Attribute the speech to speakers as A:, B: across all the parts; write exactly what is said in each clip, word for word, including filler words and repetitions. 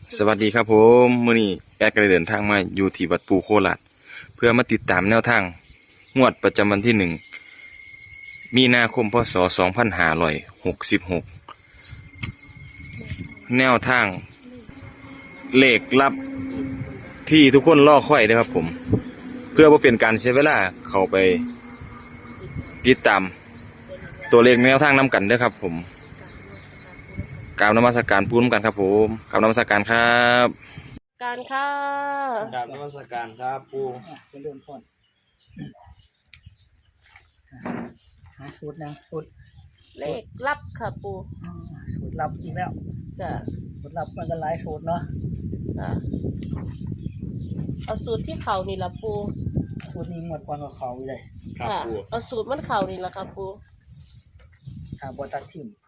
A: สวัสดีครับผมมื้อนี้แอดก็ได้เดินทางมาอยู่ที่วัดปูโคราชเพื่อมาติดตามแนวทางงวดประจำวันที่หนึ่งมีนาคมพศสองพันห้าร้อยหกสิบหกแนวทางเลขลับที่ทุกคนรอคอยนะครับผมเพื่อบ่เป็นการเสียเวลาเข้าไปติดตามตัวเลขแนวทางนำกันเด้อครับผมกราบนมัสการปูนำกันครับผมกราบนมัสการครับ
B: การค่ะ
C: กราบนมัสการครับปู
D: เป็นเรื่องพ่นหาสูตรนะสูตร
B: เลขลับค่ะปู
D: อ๋อสูตรลับอีกแล้ว
B: จ้ะ
D: สูตรลับมันก็หลายสูตรเนาะ
B: จ้ะเอาสูตรที่เขานี่ละปู
D: สูตรนี้หมดกว่ากับเขาเลย
C: ครับ
B: ค่ะ
C: ปู
B: เอาสูตรมันเขานี่ละค่ะปู
D: ถาบอตัดทิม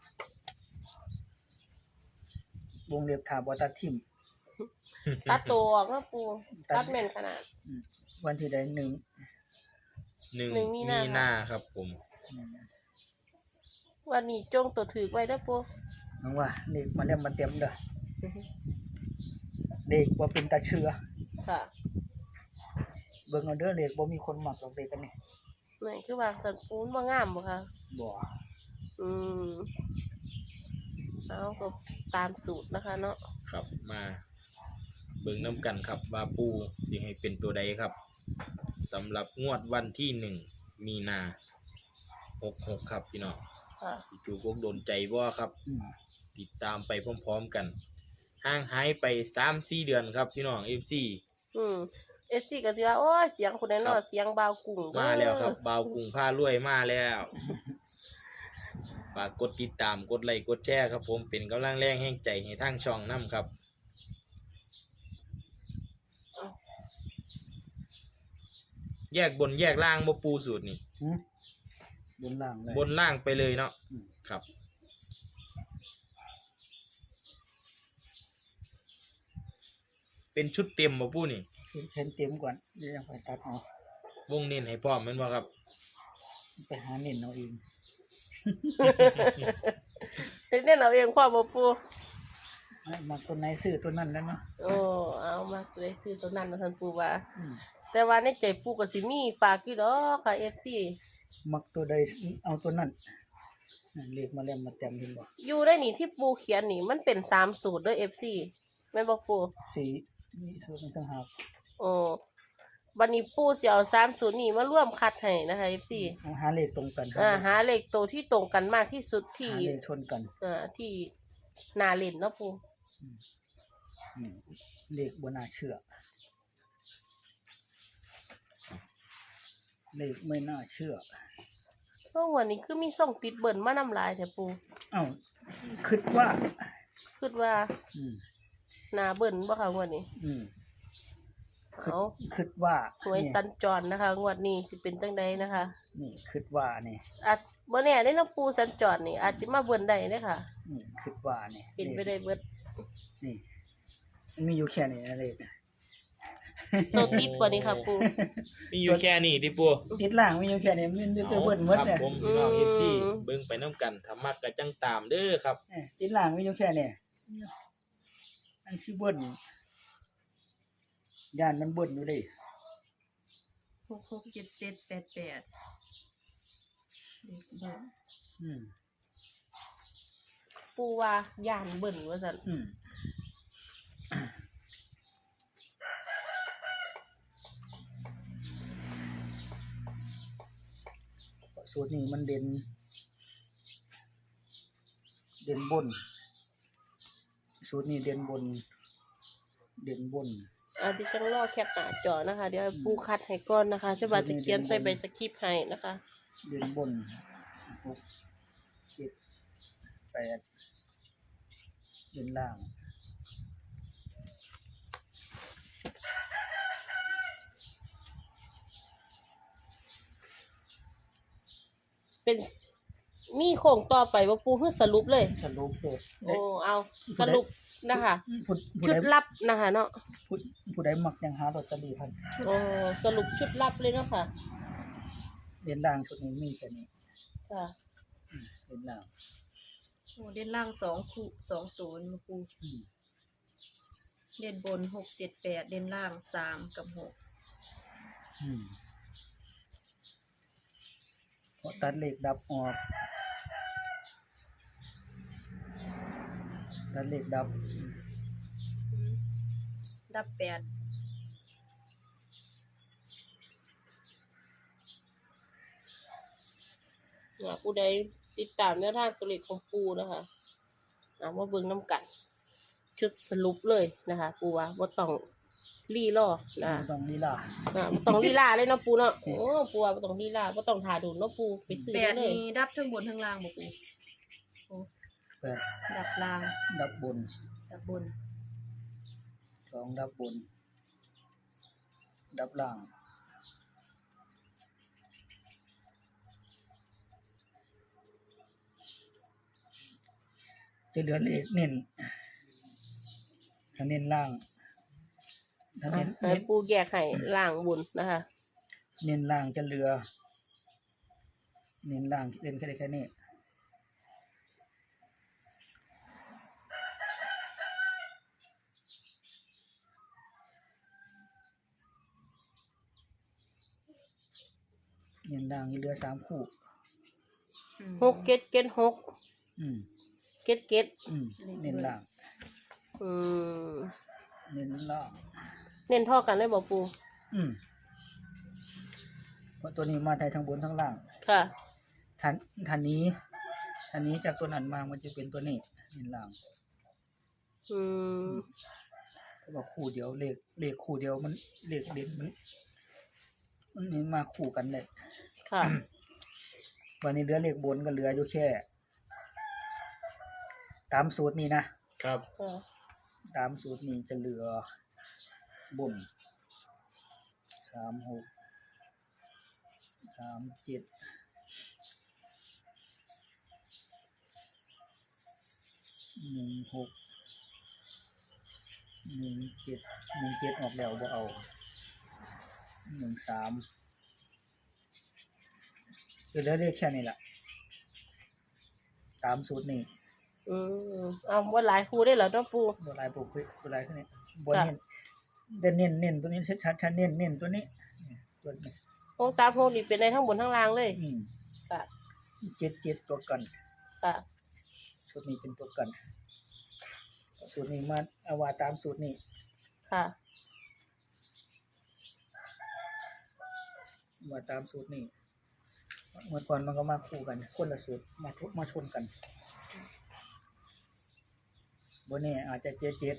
D: วงเล็บถาบอตัดทิม
B: ตัดตัวออกนะปูตัดแม่นขนาด
D: อืมวันที่ใดหนึ่ง
C: หนึ่ง
B: หนึ่งมี
C: มี
B: นา
C: หน้าครับผม
D: อืม
B: วันนี้จงตัวถือไว้นะปู
D: น้องว่าเด็กมาเล่มมาเต็มเด้อเด็กว่าเป็นตาเชื่อ
B: ค่ะ
D: เบิ่งเอาเด้อเด็กบ่มีคนหมักหรอกเด็กกันนี่
B: นี่คือว่าสันปูนว่างามบ่ค่ะ
D: บ่
B: อืมเอาก็ตามสูตรนะคะเนาะ
C: ครับมาเบิ่งน้ำกันครับว่าปูสิให้เป็นตัวใดครับสำหรับงวดวันที่หนึ่งมีนาหกหกครับพี่น้อง
B: ค่ะ
C: จู่ๆพวกโดนใจบ่ครับ
D: อืม
C: ติดตามไปพร้อมๆกันห่างหายไปสามสี่เดือนครับพี่น้องเอฟซี
B: อืมเอสซี่ก็สิว่าโอ้ยเสียงคนนั้นเนาะเสียงบาวกุ้งเด้อ
C: มาแล้วครับบ่าวกรุงผ้ารวยมาแล้วฝากกดติดตามกดไลค์กดแชร์ครับผมเป็นกำลังแรงแห่งใจให้ทางช่องนํครับ แยกบนแยกล่างบ่ปูสูตรนี่
D: หืมบนล่างเลย
C: บนล่างไปเลยเนาะ
D: อืม
C: ครับ เป็นชุดเต็มบ่ปูนี่
D: เช่นเต็มก่อนเดี๋ยวยังไปตัดเอา
C: วงเน้นให้พร้อมแม่นบ่ครับ
D: ไปหาเน้นเอาเอง
B: เฮ็ดแน่นเอาเองพ่อบ่ปู
D: ให้มาตัวไหนซื้อตัวนั้นแล้วเนาะ
B: โอ้เอามาเลยซื้อตัวนั้นนะท่านปูว่า
D: อืม
B: แต่ว่าในใจปูก็สิมีฝากอยู่ดอกค่ะ เอฟ ซี
D: มักตัวใดเอาตัวนั้นนั่นเรียกมาแล้วมาเต็มเห็นบ่
B: อยู่ได้นี่ที่ปูเขียนนี่มันเป็นสามสูตรเด้อ เอฟ ซี แม่นบ่ปู
D: สีนี่สูตรมันต่างหาก
B: โอ้บัดนี้ปูสิเอาสามสูตรนี้มาร่วมคัดให้นะคะ เอฟ ซี
D: เอาหาเลขตรงกัน
B: อ่าหาเลขตัวที่ตรงกันมากที่สุดที่
D: หาเลขชนกัน
B: อ่าที่น่าเล่นเนาะปู
D: อืมเลขบ่น่าเชื่อเลขไม่น่าเชื่อ
B: เพราะวันนี้คือมีส่งติดเบิ่นมานำลายแต่ปู
D: เอ้าคิดว่า
B: คิดว่า
D: อืม
B: น่าเบิ่นบ่ค่ะงวดนี้
D: อืม
B: เอา
D: คิดว่า
B: หวย
D: นี่
B: สัญจรนะคะ งวดนี้สิเป็นจังใดนะคะ
D: นี่คิดว่านี่
B: อาจบ่แน่ได้เนาะปูสัญจรนี่อาจสิมาเบิ่นได้เด้อค่ะ
D: อืมคิดว่านี่
B: เป็นไปได้เบิด
D: นี่มันมีอยู่แค่นี้นะเลขนะ
B: ตัวติดกว่านี้ค่ะปู
C: มีอยู่แค่นี้ติปู
D: ติดล่างมีอยู่แค่นี้มันจะเบิ้ลหมด
C: ครับ
D: เนี่ย
C: ผมพี่น้อง
B: อื
C: เอ
B: ม
C: ฟซีเบิ่งไปน้ำกันถ้ามักก็จังตามเด้อครับ
D: เอ้ยติดล่างมีอยู่แค่นี้อันที่เบิ้ลย่านมันเบิ้ลอยู่เลย
E: หกหกเจ็ดเจ็ดแปดแปดเด็กเบิ้ล
D: อืม
B: ปูว่าย่านเบิ่นว่าซั่น
D: อืมสูตรนี้มันเด่นเด่นบนสูตรนี้เด่นบน เด่นบน
B: อาจสิจังรอแคปหน้าจอนะคะ เดี๋ยวให้ปูคัดให้ก่อนนะคะจะบาจะเขียนใส่ใบสคริปต์ให้นะคะ
D: เด่นบนหกเจ็ดแปดเด่นล่าง
B: เป็นมีโครงต่อไปบ่ปูคือสรุปเลย
D: สรุปเลย
B: โอ้เอาสรุปนะคะ
D: ผู้ผู้
B: ชุด
D: ใด
B: ลับนะคะเนาะ
D: ผู้ผู้ใดมักยังหาลอตเตอรี่ทัน
B: โอ้สรุปชุดลับเลยเนาะค่ะ
D: เด่นล่างชุดนี้มีแค่นี้
B: ค่ะ
D: อืมเด่นล่าง
E: โอ้เด่นล่างสองคู่สองตัวนี่มาปู
D: อืม
E: เด่นบนหกเจ็ดแปดเด่นล่างสามกับหก
D: อืมเพราะตัดเลขดับออกตัดเลขดับ
E: ดับแปด
B: เนี่ยผู้ใดติดตามแนวทางตัวเลขของปูนะคะอ่ามาเบิ่งน้ำกัน ชุดสรุปเลยนะคะ ปูว่าบ่ต้องรีรอนะ
D: ต้องลีลา
B: อ่าบ่ต้องลีลาเลยเนาะปูเนาะโอ้ปูว่าบ่ต้องลีลาบ่ต้องทาดูเนาะปูไปซื้อ
E: แป
B: ได้
E: ด
B: เลย
E: นี้ดับทั้งบนทั้งล่างบ่ปูโอ้
D: แปด
E: ดับล่าง
D: ดับบน
E: ดับบน
D: สองดับบน ดับล่างจะเหลือเลขเน้นถ้าเน้นล่างถ้า
B: อ่ะ
D: เน้น
B: ให้
D: เน้น
B: ปูแยกให้ล่างบนนะคะ
D: เน้นล่างจะเหลือ เน้นล่างเล่นแค่ได้แค่นี้เน้นล่างนี่เหลือสามคู่
E: อืม
B: หกเก็ดเก็ดหก
D: อืม
B: เก็ดเก็ด
D: อืมเน้นล่าง
B: อืม
D: เน้นล่าง
B: เน้นเท่อกันได้บ่ปู
D: อืมเพราะตัวนี้มาไทยทั้งบนทั้งล่าง
B: ค่ะ
D: ทันทันนี้ทันนี้จากตัวนั้นมามันจะเป็นตัวนี้เน้นล่าง
B: อืม
D: เพราะว่าคู่เดียวเลขเลขคู่เดียวมันเลขเด่นมันมันนี่มาคู่กันเลย
B: ค่ะ
D: วันนี้เหลือเลขบนก็เหลืออยู่แค่ตามสูตรนี้นะครับ
B: ค่ะ
D: ตามสูตรนี้จะเหลือบนสามหกสามเจ็ดหนึ่งหกหนึ่งเจ็ดหนึ่งเจ็ดออกแล้วบ่เอาหนึ่งสามเหลือเลขแค่นี้แหละตามสูตรนี้
B: อืมเอาว่าหลายครูได้เหรอเนาะปู
D: ตัวลายปกปิดตัวลายแค่นี้บนเน้นเด่นเน้นเน้นตัวนี้ชัดชัดเน้นเน้นตัวนี้เนี่ยตัวนี้
B: โค้งสามโค้งนี่เป็นในทั้งบนทั้งล่างเลย
D: อืม
B: ค่ะ
D: เจ็ดเจ็ดตัวกัน
B: ค่ะ
D: สูตรนี้เป็นตัวกัน สูตรนี้มาเอาว่าตามสูตรนี้
B: ค่ะ
D: ว่าตามสูตรนี้เมื่อก่อนมันก็มาคู่กัน คนละสูตรมาทุกมาชนกันบนนี้อาจจะเจ็ดเจ็ด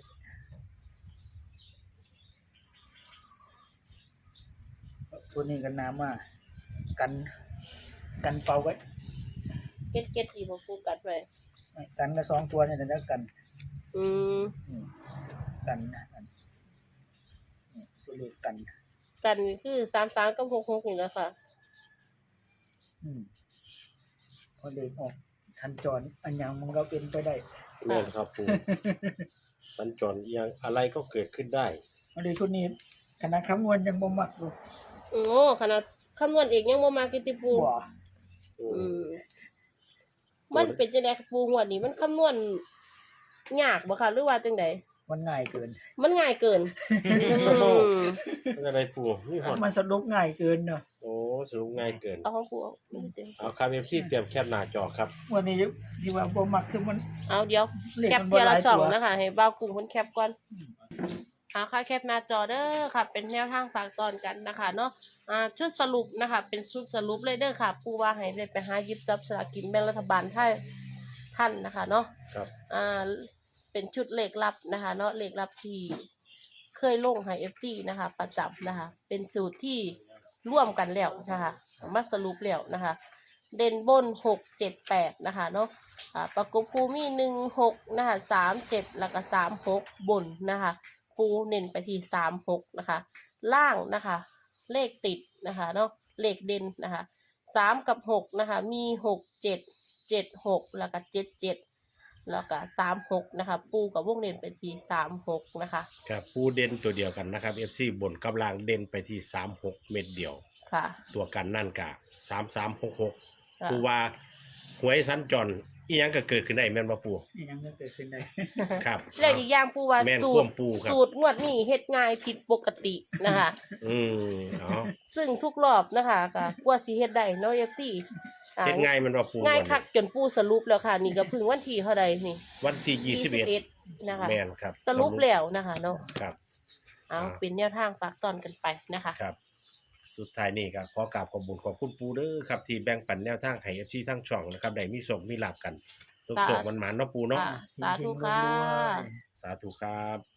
D: สูตรนี้กันน้ำมากันกันเป่าไว้
B: เก็ดเก็ดที่บ่ปูกัดไว้
D: กันก็สองตัวเนี่ยแต่แล้วกัน
B: อืม
D: อืมกันกันนี่ตัวเลขกัน
B: กันนี่คือสามสามกับหกหกนี่แหละค่ะ
D: อืมพอเลขออกชันจรอันยังมันก็เป็นไปได้
F: แม่นครับปูสัญจรเอียงอะไรก็เกิดขึ้นได้
D: อันนี้ชุดนี้คณะคำนวณยังบ่มักอยู่
B: โอ้ขนาดคำนวณเองยังบ่มากิติปู
D: บ่
B: อืมมันเป็นจังได๋ปูงวดนี้มันคำนวณยากบ่ค่ะหรือว่าจังได๋
D: มันง่ายเกิน
B: มันง่ายเกินอืม
F: เป็นอะไรปูนี่หอด
D: มันสรุปง่ายเกินเนาะ
F: โอ้สรุปง่ายเกิน
B: เอาของปูเอา
F: เอาครับเอฟซีเตรียมแคปหน้าจอครับ
D: วันนี้ที่ว่าบ่มักคือมัน
B: เอาเดี๋ยว
D: เลข
B: แคป
D: มัน
B: เที
D: บ่
B: ย
D: ห
B: ละ
D: ลาย
B: ช่อง
D: ตัว
B: นะคะให้บ่าวกลุ่มคนแคปก่อนเอาค่ะแคปหน้าจอเด้อค่ะ เป็นแนวทางฝากตอนกันนะคะเนาะอ่าชุดสรุปนะคะ เป็นชุดสรุปเลยเด้อค่ะปูว่าให้ได้ไปหาหยิบจับสลากกินแบ่งรัฐบาลไทยท่านนะคะเนาะ
F: ครับ
B: อ่าเป็นชุดเลขลับนะคะเนาะเลขลับที่เคยลงให้ เอฟ ดี นะคะ ประจำนะคะ เป็นสูตรที่ร่วมกันแล้วนะคะมาสรุปแล้วนะคะ เด่นบนหกเจ็ดแปดนะคะเนาะอ่าประกบคูมีหนึ่งหกนะคะสามเจ็ดแล้วก็สามหกบนนะคะปูเน้นไปที่สามหกนะคะ ล่างนะคะ เลขติดนะคะเนาะเลขเด่นนะคะสามกับหกนะคะ มีหกเจ็ดเจ็ดหกแล้วก็เจ็ดเจ็ดแล้วก็สามหกนะคะ ปูกับวงเด่นไปที่สามหกนะคะ
F: ครับปูเด่นตัวเดียวกันนะครับเอฟซีบนกำลังเด่นไปที่สามหกเม็ดเดียว
B: ค่ะ
F: ตัวกันนั่นกะสามสามหกหก
B: ค่ะ
F: ปูว่าหวยสัญจรอีหยังก็เกิดขึ้นได้แม่นบ่ปู
D: นี่ยังก็เกิดขึ้นได้
F: ครับ
B: และอีกอย่างปูว่า
F: แม่น
B: สู
F: คว
B: ต
F: ม
B: ร
F: ปูครับ
B: สูตรงวดนี้เฮ็ดง่ายผิดปกตินะคะ
F: อืมเอา
B: ซึ่งทุกรอบนะคะก็กว่าสิเฮ็ดได้เนาะ เอฟ ซี อ่า
F: เฮ็ดง่ายแมันบ่ปู
B: ง่าย
F: วัน
B: คัก
F: นี้
B: จนปูสรุปแล้วค่ะ นี่ก็เพิ่งวันที่เท่าใดนี่
F: วันที่ยี่สิบเอ็ด
B: นะคะ
F: แม่นครับ
B: สรุปแล้วนะคะเนาะ
F: ครับ
B: เอา
F: อ่า
B: เป็นแนวทางฝากตอนกันไปนะคะ
F: ครับ สุดท้ายนี่ก็ขอกราบขอบคุณขอบคุณปูเด้อครับที่แบ่งปันแนวทางให้ เอฟ ซี ทั้งช่องนะครับได้มีโชคมีลาภกันสุขๆมันๆเนาะปูเนาะ
B: ค่ะ สาธุค่ะ
F: สาธุครับ